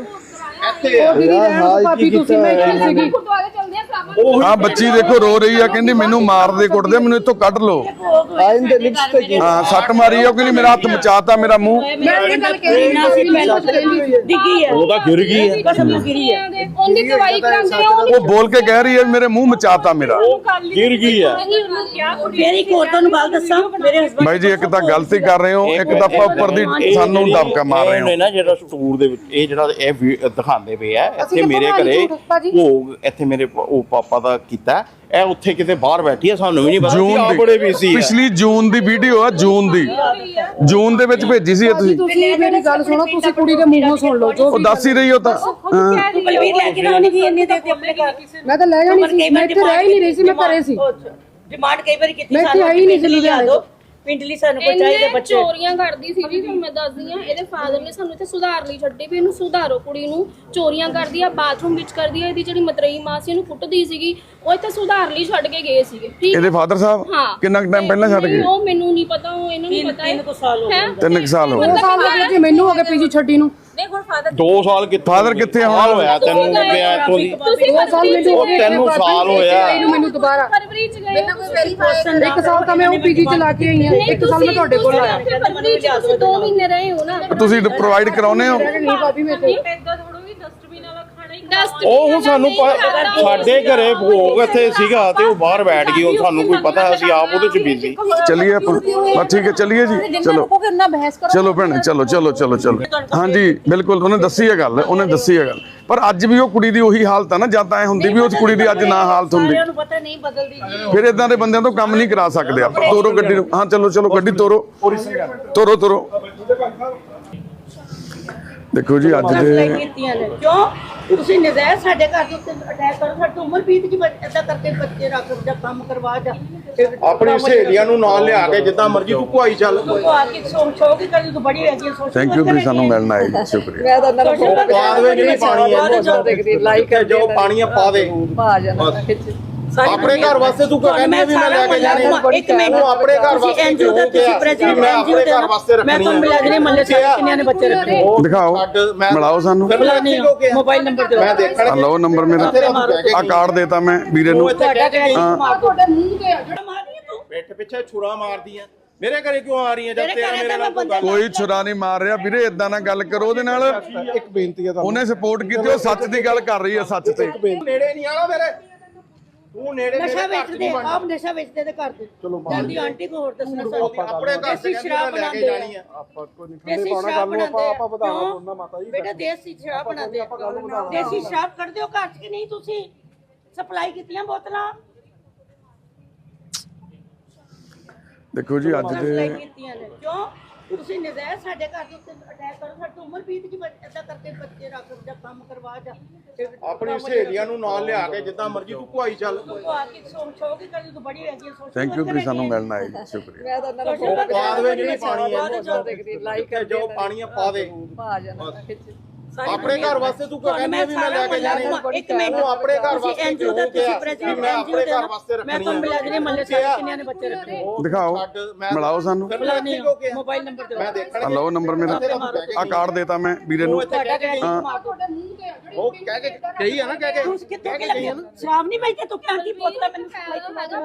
[SPEAKER 7] ਭਾਬੀ ਤੁਸੀਂ ਮੈਂ ਇੱਥੇ ਸੀਗੀ।
[SPEAKER 3] ਆਹ ਬੱਚੀ ਦੇਖੋ ਰੋ ਰਹੀ ਆ, ਕਹਿੰਦੀ ਮੈਨੂੰ ਮਾਰਦੇ ਕੁੱਟਦੇ, ਮੈਨੂੰ ਇੱਥੋਂ ਕੱਢ ਲਓ।
[SPEAKER 4] ਆਇਨ ਦੇ ਲਿਪਸ ਤੇ
[SPEAKER 3] ਹਾਂ ਸੱਟ ਮਾਰੀ ਆ, ਉਹ ਕਹਿੰਦੀ ਮੇਰਾ ਹੱਥ ਮਚਾਤਾ, ਮੇਰਾ ਮੂੰਹ।
[SPEAKER 7] ਮੈਂ ਇਹ ਗੱਲ ਕਹਿ ਰਹੀ ਸੀ ਮੈਨੂੰ
[SPEAKER 1] ਡਿੱਗੀ ਹੈ,
[SPEAKER 5] ਉਹ ਤਾਂ ਗਿਰ ਗਈ ਹੈ।
[SPEAKER 1] ਕਸਮ ਨਾਲ ਗਿਰੀ ਹੈ।
[SPEAKER 6] ਉਹਦੀ ਦਵਾਈ ਕਰਾਉਂਦੇ ਆ
[SPEAKER 3] ਉਹ ਬੋਲ ਕੇ ਕਹਿ ਰਹੀ ਹੈ ਮੇਰੇ ਮੂੰਹ ਮਚਾਤਾ ਮੇਰਾ।
[SPEAKER 5] ਗਿਰ ਗਈ ਹੈ।
[SPEAKER 1] ਮੇਰੀ ਇੱਕ ਹੋਰ ਤੁਹਾਨੂੰ ਗੱਲ ਦੱਸਾਂ, ਮੇਰੇ ਹਸਬੰਦ
[SPEAKER 3] ਬਾਈ ਜੀ ਇੱਕ ਤਾਂ ਗਲਤੀ ਕਰ ਰਹੇ ਹੋ, ਇੱਕ ਤਾਂ ਉੱਪਰ ਦੀ ਸਾਨੂੰ ਦਬਕਾ ਮਾਰ ਰਹੇ ਹੋ।
[SPEAKER 5] ਇਹ ਨਾ ਜਿਹੜਾ ਸਟੂਰ ਦੇ ਵਿੱਚ ਇਹ ਜਿਹੜਾ ਇਹ ਦਿਖਾਉਂਦੇ ਪਏ ਆ, ਇੱਥੇ ਮੇਰੇ ਘਰੇ ਭੋਗ, ਇੱਥੇ ਮੇਰੇ ਉਹ ਪਾਪਾ ਦਾ ਕੀਤਾ, ਇਹ ਉੱਥੇ ਕਿਤੇ ਬਾਹਰ ਬੈਠੀ ਆ, ਸਾਨੂੰ ਵੀ ਨਹੀਂ ਪਤਾ।
[SPEAKER 3] ਜੂਨ
[SPEAKER 5] ਬੜੇ ਬਿਜ਼ੀ
[SPEAKER 3] ਦੀ
[SPEAKER 5] ਆ।
[SPEAKER 3] ਪਿਛਲੀ ਜੂਨ ਦੀ ਵੀਡੀਓ ਆ, ਜੂਨ ਦੀ, ਜੂਨ ਦੇ ਵਿੱਚ ਭੇਜੀ ਸੀ ਇਹ ਤੁਸੀਂ।
[SPEAKER 7] ਤੁਸੀਂ ਮੇਰੀ ਗੱਲ ਸੁਣੋ, ਤੁਸੀਂ ਕੁੜੀ ਦੇ ਮੂੰਹੋਂ ਸੁਣ ਲਓ ਜੋ
[SPEAKER 3] ਉਹ ਦੱਸ ਹੀ ਰਹੀ ਹੋ ਤਾਂ।
[SPEAKER 1] ਬਲਵੀਰ ਲੈ ਕੇ ਨਾ ਗਈ ਇੰਨੇ ਦੇ ਆਪਣੇ ਘਰ।
[SPEAKER 7] ਮੈਂ ਤਾਂ ਲੈ ਜਾਣੀ ਸੀ, ਮੈਂ ਇੱਥੇ ਰਹਿ ਹੀ ਨਹੀਂ ਰਹੀ ਸੀ, ਮੈਂ ਘਰੇ ਸੀ।
[SPEAKER 1] ਡਿਮਾਂਡ ਕਈ ਵਾਰੀ ਕੀਤੀ
[SPEAKER 7] ਮੈਂ ਇੱਥੇ ਆਈ ਨਹੀਂ ਸੀ ਲੁਧਿਆਣੇ।
[SPEAKER 1] ਪਿੰਡਲੀ ਸਾਨੂੰ ਕੋਈ ਚਾਹੀਦੇ ਬੱਚੇ।
[SPEAKER 8] ਚੋਰੀਆਂ ਕਰਦੀ ਸੀ ਜੀ, ਤੁਹਾਨੂੰ ਮੈਂ ਦੱਸਦੀ ਆ। ਇਹਦੇ ਫਾਦਰ ਨੇ ਸਾਨੂੰ ਇੱਥੇ ਸੁਧਾਰ ਲਈ ਛੱਡੀ ਵੀ ਇਹਨੂੰ ਸੁਧਾਰੋ, ਕੁੜੀ ਨੂੰ ਚੋਰੀਆਂ ਕਰਦੀ ਆ, ਬਾਥਰੂਮ ਵਿੱਚ ਕਰਦੀ ਆ। ਇਹਦੀ ਜਿਹੜੀ ਮਤਰੇਈ ਮਾਂ ਸੀ ਇਹਨੂੰ ਕੁੱਟਦੀ ਸੀਗੀ, ਉਹ ਇੱਥੇ ਸੁਧਾਰ ਲਈ ਛੱਡ ਕੇ ਗਏ ਸੀਗੇ। ਠੀਕ
[SPEAKER 3] ਇਹਦੇ ਫਾਦਰ ਸਾਹਿਬ
[SPEAKER 8] ਹਾਂ।
[SPEAKER 3] ਕਿੰਨਾ ਟਾਈਮ ਪਹਿਲਾਂ ਛੱਡ ਗਏ?
[SPEAKER 8] ਉਹ ਮੈਨੂੰ ਨਹੀਂ ਪਤਾ, ਉਹ ਇਹਨੂੰ ਨਹੀਂ ਪਤਾ।
[SPEAKER 1] 3 ਸਾਲ ਹੋ ਗਏ।
[SPEAKER 3] 3 ਸਾਲ ਹੋ ਗਏ।
[SPEAKER 7] 2 ਸਾਲ ਹੋ ਗਏ ਜੀ ਮੈਨੂੰ ਹੋ ਗਏ ਪੀਜੀ ਛੱਡੀ ਨੂੰ।
[SPEAKER 8] ਨਹੀਂ ਹੁਣ ਫਾਦਰ
[SPEAKER 5] 2 ਸਾਲ ਕਿੱਥੇ?
[SPEAKER 3] ਫਾਦਰ ਕਿੱਥੇ ਆ
[SPEAKER 5] ਸਾਲ
[SPEAKER 3] ਹੁਣ?
[SPEAKER 5] ਹੋਇਆ ਤੈਨੂੰ ਗਿਆ ਇੱਥੋਂ ਦੀ।
[SPEAKER 7] 2 ਸਾਲ ਮੈਨੂੰ ਹੋ ਗਏ,
[SPEAKER 5] 3 ਸਾਲ ਹੋਇਆ
[SPEAKER 7] ਮੈਨੂੰ ਦੁਬਾਰਾ।
[SPEAKER 8] ਫਰਵਰੀ ਚ ਗਏ।
[SPEAKER 7] ਇੱਕ ਸਾਲ ਤਾਂ ਮੈਂ ਉਹ ਪੀਜੀ ਚ ਲਾ ਕੇ ਆਈ ਹਾਂ, 1 ਸਾਲ ਮੈਂ ਤੁਹਾਡੇ ਕੋਲ ਆਇਆ।
[SPEAKER 8] ਫਰਵਰੀ ਚ ਤੁਸੀਂ 2 ਮਹੀਨੇ ਰਹੇ ਹੋ ਨਾ।
[SPEAKER 3] ਤੁਸੀਂ ਪ੍ਰੋਵਾਈਡ ਕਰਾਉਨੇ ਹੋ?
[SPEAKER 7] ਨਹੀਂ ਭਾਬੀ ਮੈਂ ਤੇ
[SPEAKER 6] ਏਦਾਂ ਥੋੜੋ ਵੀ ਡਸਟਬਿਨ ਵਾਲਾ ਖਾਣਾ ਹੀ
[SPEAKER 5] ਉਹ ਹੁਣ ਸਾਨੂੰ ਸਾਡੇ ਘਰੇ ਭੋਗ ਇੱਥੇ ਸੀਗਾ ਤੇ ਉਹ ਬਾਹਰ ਬੈਠ ਗਈ, ਹੁਣ ਸਾਨੂੰ ਕੋਈ ਪਤਾ, ਅਸੀਂ ਆਪ ਉਹਦੇ ਚ ਬਿਜ਼ੀ।
[SPEAKER 3] ਚਲਿਏ ਆਪਾਂ ਬਸ ਠੀਕ ਹੈ, ਚਲਿਏ ਜੀ, ਚਲੋ ਚਲੋ ਭੈਣੇ, ਚਲੋ ਚਲੋ ਚਲੋ ਚਲੋ। ਹਾਂਜੀ ਬਿਲਕੁਲ, ਉਹਨੇ ਦੱਸੀ ਹੈ ਗੱਲ, ਉਹਨੇ ਦੱਸੀ ਹੈ ਗੱਲ। ਪਰ ਅੱਜ ਵੀ ਉਹ ਕੁੜੀ ਦੀ ਉਹੀ ਹਾਲਤ ਆ ਨਾ, ਜਾਂ ਤਾਂ ਐ ਹੁੰਦੀ ਵੀ ਉਸ ਕੁੜੀ ਦੀ ਅੱਜ ਨਾ ਹਾਲਤ ਹੁੰਦੀ,
[SPEAKER 1] ਸਾਰਿਆਂ ਨੂੰ ਪਤਾ ਨਹੀਂ ਬਦਲਦੀ ਜੀ।
[SPEAKER 3] ਫਿਰ ਇਦਾਂ ਦੇ ਬੰਦਿਆਂ ਤੋਂ ਕੰਮ ਨਹੀਂ ਕਰਾ ਸਕਦੇ ਆਪਾਂ। ਤੋਰੋ ਗੱਡੀ ਨੂੰ। ਹਾਂ ਚਲੋ ਚਲੋ ਗੱਡੀ ਤੋਰੋ, ਤੋਰੋ ਤੋਰੋ। ਦੇਖੋ ਜੀ ਅੱਜ ਦੇ
[SPEAKER 1] ਕੀਤੀਆਂ ਨੇ ਕਿਉਂ ਤੁਸੀਂ ਨਜ਼ਾਇਰ ਸਾਡੇ ਘਰ ਦੇ ਉੱਤੇ ਅਟੈਕ ਕਰੋ। ਸਾਡੀ ਉਮਰ ਬੀਤ ਗਈ, ਏਦਾਂ ਕਰਕੇ ਬੱਚੇ ਰੱਖ ਜਾਂ ਕੰਮ ਕਰਵਾ ਜਾਂ
[SPEAKER 5] ਆਪਣੀ ਸਹੇਲੀਆਂ ਨੂੰ ਨਾਲ ਲਿਆ ਕੇ ਜਿੱਦਾਂ ਮਰਜ਼ੀ ਤੂੰ ਕੁਆਈ ਚੱਲ।
[SPEAKER 1] ਉਹ ਆ ਕੇ ਸ਼ੌਕ ਹੀ ਕਰੀ ਤੂੰ ਬੜੀ ਹੈਗੀ ਸੋਚ।
[SPEAKER 3] ਥੈਂਕ ਯੂ ਤੁਸੀਂ ਸਾਨੂੰ ਮਿਲਣ ਆਏ ਜੀ, ਸ਼ੁਕਰੀਆ।
[SPEAKER 5] ਪਾ ਦੇ ਜਿਹੜੀ ਪਾਣੀ ਹੈ ਲਾਈਕ ਜੋ ਪਾਣੀ ਆ ਪਾ ਦੇ। ਆਪਣੇ ਘਰ ਵਾਸਤੇ ਤੂੰ ਕਹਿੰਦੀ ਵੀ ਮੈਂ ਲੈ ਕੇ ਜਾਣੇ,
[SPEAKER 1] ਇੱਕ ਮਿੰਟ
[SPEAKER 5] ਤੂੰ ਆਪਣੇ ਘਰ ਵਾਸਤੇ
[SPEAKER 1] ਐਨਜੀਓ ਦਾ ਤੁਸੀਂ ਪ੍ਰੈਜ਼ੀਡੈਂਟ
[SPEAKER 5] ਮੈਂ ਆਪਣੇ ਘਰ ਵਾਸਤੇ
[SPEAKER 1] ਮੈਂ ਤੁਹਾਨੂੰ ਮਿਲਾ ਦੇਣੀ ਮੱਲੇ ਸਾਰੇ ਕਿੰਨਿਆਂ ਨੇ ਬੱਚੇ ਰੱਖੇ।
[SPEAKER 3] ਦਿਖਾਓ, ਮਿਲਾਓ ਸਾਨੂੰ।
[SPEAKER 1] ਮੋਬਾਈਲ ਨੰਬਰ ਦਿਓ।
[SPEAKER 5] ਮੈਂ ਦੇਖਣਾ
[SPEAKER 3] ਲਓ ਨੰਬਰ ਮੇਰਾ, ਆ ਕਾਰਡ ਦੇਤਾ ਮੈਂ ਵੀਰੇ ਨੂੰ।
[SPEAKER 1] ਤੁਹਾਡਾ ਕਿਹੜਾ ਮਾਰ ਦੋ।
[SPEAKER 7] ਤੁਹਾਡੇ ਮੂੰਹ ਤੇ ਆ ਜਿਹੜਾ
[SPEAKER 1] ਮਾਰਨੀ ਤੂੰ
[SPEAKER 5] ਪਿੱਠ ਪਿੱਛੇ ਛੁਰਾ ਮਾਰਦੀਆਂ। ਮੇਰੇ ਘਰੇ ਕਿਉਂ ਆ ਰਹੀਆਂ ਜਦ ਤੇਰਾ ਮੇਰੇ ਨਾਲ ਕੋਈ ਗੱਲ?
[SPEAKER 3] ਕੋਈ ਛੁਰਾ ਨਹੀਂ ਮਾਰ ਰਿਹਾ ਵੀਰੇ, ਇਦਾਂ ਨਾ ਗੱਲ ਕਰੋ ਉਹਦੇ ਨਾਲ।
[SPEAKER 4] ਇੱਕ ਬੇਨਤੀ ਹੈ ਤੁਹਾਨੂੰ,
[SPEAKER 3] ਉਹਨੇ ਸਪੋਰਟ ਕੀਤੀ, ਉਹ ਸੱਚ ਦੀ ਗੱਲ ਕਰ ਰਹੀ ਹੈ, ਸੱਚ ਤੇ।
[SPEAKER 5] ਨੇੜੇ ਨਹੀਂ ਆਣਾ ਮੇਰੇ, ਤੂੰ ਨੇੜੇ
[SPEAKER 1] ਨਸ਼ਾ ਵੇਚਦੇ ਆਪ ਨਸ਼ਾ ਵੇਚਦੇ ਤੇ ਘਰ ਦੇ। ਜਲਦੀ ਆਂਟੀ ਕੋ ਹੋਰ ਦੱਸਣਾ ਸਾਨੂੰ।
[SPEAKER 5] ਆਪਣੇ ਘਰ
[SPEAKER 1] ਦੇਸੀ ਸ਼ਰਾਬ
[SPEAKER 5] ਲੈ ਕੇ
[SPEAKER 1] ਬਣਾਉਂਦੇ
[SPEAKER 5] ਜਾਣੀ ਆ।
[SPEAKER 4] ਆਪਾਂ ਕੋਈ ਨਹੀਂ
[SPEAKER 1] ਦੇਸੀ
[SPEAKER 4] ਠੰਡੇ ਪਾਣਾ
[SPEAKER 1] ਸ਼ਰਾਬ
[SPEAKER 4] ਗੱਲ ਨੂੰ
[SPEAKER 1] ਬਣਾਉਂਦੇ
[SPEAKER 4] ਆਪਾਂ ਵਧਾਣਾ ਬੋਲਣਾ ਮਾਤਾ ਜੀ।
[SPEAKER 1] ਬੇਟਾ ਦੇਸੀ ਸ਼ਰਾਬ ਬਣਾਉਂਦੇ ਦੇਸੀ ਸ਼ਰਾਬ ਕੱਢਦੇ ਹੋ ਘਰ ਚ ਕਿ ਨਹੀਂ? ਤੁਸੀਂ ਸਪਲਾਈ ਕੀਤੀਆਂ ਬੋਤਲਾਂ?
[SPEAKER 3] ਦੇਖੋ ਜੀ ਅੱਜ
[SPEAKER 1] ਸਪਲਾਈ
[SPEAKER 3] ਦੇ
[SPEAKER 1] ਕੀਤੀਆਂ ਨੇ ਕਿਉਂ ਤੁਸੀਂ ਨਜ਼ਾਇਰ ਸਾਡੇ ਘਰ ਦੇ ਉੱਤੇ ਅਟੈਕ ਕਰੋ। ਸਾਡੀ ਉਮਰ ਬੀਤ ਗਈ, ਏਦਾਂ ਕਰਕੇ ਬੱਚੇ ਰੱਖ ਜਾਂ ਕੰਮ ਕਰਵਾ ਜਾਂ
[SPEAKER 5] ਆਪਣੀ ਸਹੇਲੀਆਂ ਨੂੰ ਨਾਲ ਲਿਆ ਕੇ ਜਿੱਦਾਂ ਮਰਜ਼ੀ ਤੂੰ ਕੁਆਈ ਚੱਲ।
[SPEAKER 1] ਉਹ ਆ ਕੇ ਸ਼ੌਕ ਹੀ ਕਰੀ ਤੂੰ ਬੜੀ ਹੈਗੀ ਸੋਚ।
[SPEAKER 3] ਥੈਂਕ ਯੂ ਤੁਸੀਂ ਸਾਨੂੰ ਮਿਲਣ ਆਏ ਜੀ, ਸ਼ੁਕਰੀਆ।
[SPEAKER 5] ਪਾ ਦੇ ਜਿਹੜੀ ਪਾਣੀ ਹੈ ਲਾਈਕ ਜੋ ਪਾਣੀ ਆ ਪਾ ਦੇ। ਆਪਣੇ ਘਰ ਵਾਸਤੇ ਤੂੰ ਕਹਿੰਦੀ ਵੀ ਮੈਂ ਲੈ ਕੇ ਜਾਣੇ,
[SPEAKER 1] ਇੱਕ ਮਿੰਟ
[SPEAKER 5] ਤੂੰ ਆਪਣੇ ਘਰ ਵਾਸਤੇ
[SPEAKER 1] ਐਨਜੀਓ ਦਾ ਤੁਸੀਂ ਪ੍ਰੈਜ਼ੀਡੈਂਟ
[SPEAKER 5] ਮੈਂ ਆਪਣੇ ਘਰ ਵਾਸਤੇ
[SPEAKER 1] ਮੈਂ ਤੁਹਾਨੂੰ ਮਿਲਾ ਦੇਣੀ ਮੱਲੇ ਸਾਰੇ ਕਿੰਨਿਆਂ ਨੇ ਬੱਚੇ ਰੱਖੇ।
[SPEAKER 3] ਦਿਖਾਓ, ਮਿਲਾਓ ਸਾਨੂੰ।
[SPEAKER 1] ਮੋਬਾਈਲ ਨੰਬਰ ਦਿਓ।
[SPEAKER 5] ਮੈਂ ਦੇਖਣਾ
[SPEAKER 3] ਲਓ ਨੰਬਰ ਮੇਰਾ, ਆ ਕਾਰਡ ਦੇਤਾ ਮੈਂ ਵੀਰੇ ਨੂੰ।
[SPEAKER 1] ਤੁਹਾਡਾ ਕਿਹੜਾ ਮਾਰ ਦੋ।
[SPEAKER 7] ਤੁਹਾਡੇ ਮੂੰਹ ਤੇ ਆ ਜਿਹੜੀ
[SPEAKER 5] ਉਹ ਕਹਿ ਕੇ ਕਹੀ ਆ ਨਾ, ਕਹਿ
[SPEAKER 1] ਤੂੰ
[SPEAKER 5] ਕੇ
[SPEAKER 1] ਕਿੱਥੇ ਕਿ ਲੱਗੀ ਸ਼ਰਾਬ ਨਹੀਂ ਵੇਚਦੇ ਤੂੰ ਕਿਉਂ ਕੀ ਬੋਤਲਾਂ ਮੈਨੂੰ ਸਪਲਾਈ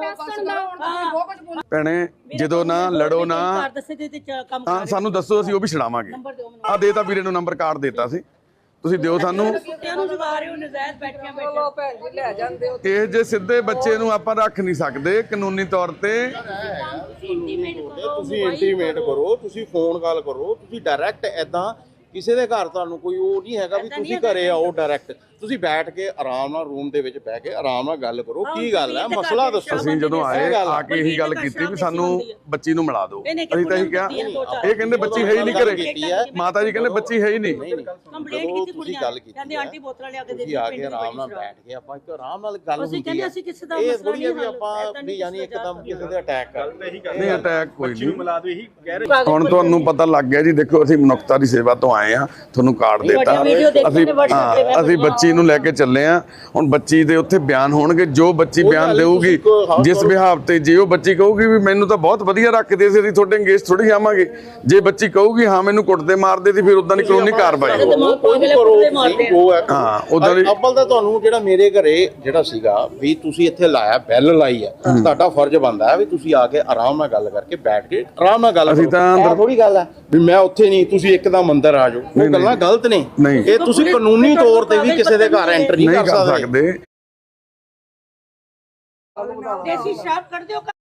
[SPEAKER 1] ਕਰਵਾ।
[SPEAKER 3] ਭੈਣੇ ਜਦੋਂ ਨਾ ਲੜੋ ਨਾ,
[SPEAKER 1] ਘਰ ਦੱਸੇ ਤੇ ਕੰਮ
[SPEAKER 3] ਹਾਂ ਸਾਨੂੰ ਦੱਸੋ, ਅਸੀਂ ਉਹ ਵੀ ਛਡਾਵਾਂਗੇ।
[SPEAKER 1] ਨੰਬਰ ਦਿਓ ਮੈਨੂੰ।
[SPEAKER 3] ਆ ਦੇਤਾ ਵੀਰੇ ਨੂੰ ਨੰਬਰ, ਕਾਰਡ ਦੇਤਾ ਸੀ, ਤੁਸੀਂ ਦਿਓ ਸਾਨੂੰ।
[SPEAKER 1] ਕੁੱਤਿਆਂ ਨੂੰ ਜਗਾ ਰਹੇ ਹੋ ਨਜ਼ਾਇਰ ਬੈਠਿਆਂ ਬੈਠੇ।
[SPEAKER 3] ਇਹ ਜੇ ਸਿੱਧੇ ਬੱਚੇ ਨੂੰ ਆਪਾਂ ਰੱਖ ਨਹੀਂ ਸਕਦੇ ਕਾਨੂੰਨੀ ਤੌਰ ਤੇ।
[SPEAKER 5] ਤੁਸੀਂ ਇੰਟੀਮੇਟ ਕਰੋ, ਤੁਸੀਂ ਫੋਨ ਕਾਲ ਕਰੋ, ਤੁਸੀਂ ਡਾਇਰੈਕਟ ਐਦਾਂ ਕਿਸੇ ਦੇ ਘਰ ਤੁਹਾਨੂੰ ਕੋਈ ਉਹ ਨਹੀਂ ਹੈਗਾ ਵੀ ਤੁਸੀਂ ਘਰੇ ਆਓ ਡਾਇਰੈਕਟ। ਤੁਸੀਂ ਬੈਠ ਕੇ ਆਰਾਮ ਨਾਲ ਰੂਮ ਦੇ ਵਿੱਚ ਬਹਿ ਕੇ ਆਰਾਮ ਨਾਲ ਗੱਲ ਕਰੋ, ਕੀ ਗੱਲ ਹੈ, ਮਸਲਾ ਦੱਸੋ।
[SPEAKER 3] ਅਸੀਂ ਜਦੋਂ ਆਏ ਆ ਕੇ ਇਹੀ ਗੱਲ ਕੀਤੀ ਵੀ ਸਾਨੂੰ ਬੱਚੀ ਨੂੰ ਮਿਲਾ ਦਿਓ। ਅਸੀਂ ਤਾਂ ਇਹੀ ਕਿਹਾ, ਇਹ ਕਹਿੰਦੇ ਬੱਚੀ ਹੈ ਹੀ ਨਹੀਂ ਘਰੇ। ਮਾਤਾ ਜੀ ਕਹਿੰਦੇ ਬੱਚੀ ਹੈ ਹੀ ਨਹੀਂ।
[SPEAKER 1] ਕੰਪਲੇਂਟ ਕੀਤੀ
[SPEAKER 5] ਤੁਸੀਂ ਗੱਲ ਕੀਤੀ,
[SPEAKER 1] ਕਹਿੰਦੇ ਆਂਟੀ ਬੋਤਲਾਂ ਲਿਆ ਕੇ ਦੇ
[SPEAKER 5] ਤੁਸੀਂ ਆ ਕੇ ਆਰਾਮ ਨਾਲ ਬੈਠ ਕੇ ਆਪਾਂ ਇੱਕ ਆਰਾਮ ਨਾਲ ਗੱਲ
[SPEAKER 1] ਅਸੀਂ
[SPEAKER 5] ਹੁੰਦੀ
[SPEAKER 1] ਕਹਿੰਦੇ
[SPEAKER 5] ਹੈ।
[SPEAKER 1] ਅਸੀਂ ਕਿਸੇ ਦਾ
[SPEAKER 5] ਇਹ
[SPEAKER 1] ਮਸਲਾ
[SPEAKER 5] ਥੋੜੀ ਹੈ
[SPEAKER 1] ਨਹੀਂ
[SPEAKER 5] ਵੀ ਆਪਾਂ ਵੀ ਯਾਨੀ ਇੱਕਦਮ ਕਿਸੇ ਦੇ ਅਟੈਕ ਕਰ
[SPEAKER 3] ਨਹੀਂ ਅਟੈਕ ਕੋਈ ਨਹੀਂ।
[SPEAKER 2] ਮਿਲਾ ਦਿਓ, ਇਹੀ ਕਹਿ ਰਹੇ।
[SPEAKER 3] ਹੁਣ ਤੁਹਾਨੂੰ ਪਤਾ ਲੱਗ ਗਿਆ ਜੀ। ਦੇਖੋ ਅਸੀਂ ਮਨੁੱਖਤਾ ਦੀ ਸੇਵਾ ਤੋਂ ਆਏ ਆ, ਤੁਹਾਨੂੰ ਕਾਰਡ ਦਿੱਤਾ। ਅਸੀਂ ਬੱਚੀ ਨੂੰ ਲੈ ਕੇ ਚੱਲੇ ਆ। ਹੁਣ ਬੱਚੀ ਦੇ ਉੱਥੇ ਬਿਆਨ ਹੋਣਗੇ, ਜੋ ਬੱਚੀ ਬਿਆਨ ਦੇਊਗੀ ਜਿਸ ਵਿਹਾਰ ਤੇ। ਜੇ ਉਹ ਬੱਚੀ ਕਹੂਗੀ ਵੀ ਮੈਨੂੰ ਤਾਂ ਬਹੁਤ ਵਧੀਆ ਰੱਖਦੇ ਸੀ, ਅਸੀਂ ਤੁਹਾਡੇ ਅੰਗੇਜ ਥੋੜੀ ਆਵਾਂਗੇ। ਜੇ ਬੱਚੀ ਕਹੂਗੀ ਹਾਂ ਮੈਨੂੰ ਕੁੱਟਦੇ ਮਾਰਦੇ ਸੀ, ਫਿਰ ਉਦਾਂ ਦੀ ਕਾਨੂੰਨੀ ਕਾਰਵਾਈ ਹੋਊਗੀ। ਹਾਂ ਉਦਾਂ ਦੀ।
[SPEAKER 5] ਅੱਬਲ ਤਾਂ ਤੁਹਾਨੂੰ ਜਿਹੜਾ ਮੇਰੇ ਘਰੇ ਜਿਹੜਾ ਸੀਗਾ ਵੀ ਤੁਸੀਂ ਇੱਥੇ ਲਾਇਆ, ਬੈਲ ਲਾਈ ਹੈ, ਤੁਹਾਡਾ ਫਰਜ਼ ਬਣਦਾ ਹੈ ਵੀ ਤੁਸੀਂ ਆ ਕੇ ਆਰਾਮ ਨਾਲ ਗੱਲ ਕਰਕੇ ਬੈਠ ਕੇ ਆਰਾਮ ਨਾਲ ਗੱਲ
[SPEAKER 3] ਅਸੀਂ ਤਾਂ ਅੰਦਰ
[SPEAKER 5] ਥੋੜੀ ਗੱਲ ਹੈ ਵੀ ਮੈਂ ਉੱਥੇ ਨਹੀਂ, ਤੁਸੀਂ ਇੱਕਦਮ ਅੰਦਰ ਆ ਜਾਓ। ਉਹ ਗੱਲਾਂ ਗਲਤ ਨੇ। ਇਹ ਤੁਸੀਂ ਕਾਨੂੰਨੀ ਤੌਰ ਤੇ ਵੀ ਕਿਸੇ ਦੇ ਘਰ ਐਂਟਰ ਨਹੀਂ ਕਰ ਸਕਦੇ।
[SPEAKER 1] ਦੇਸੀ ਸ਼ਰਾਬ ਕੱਢ ਦਿਓ।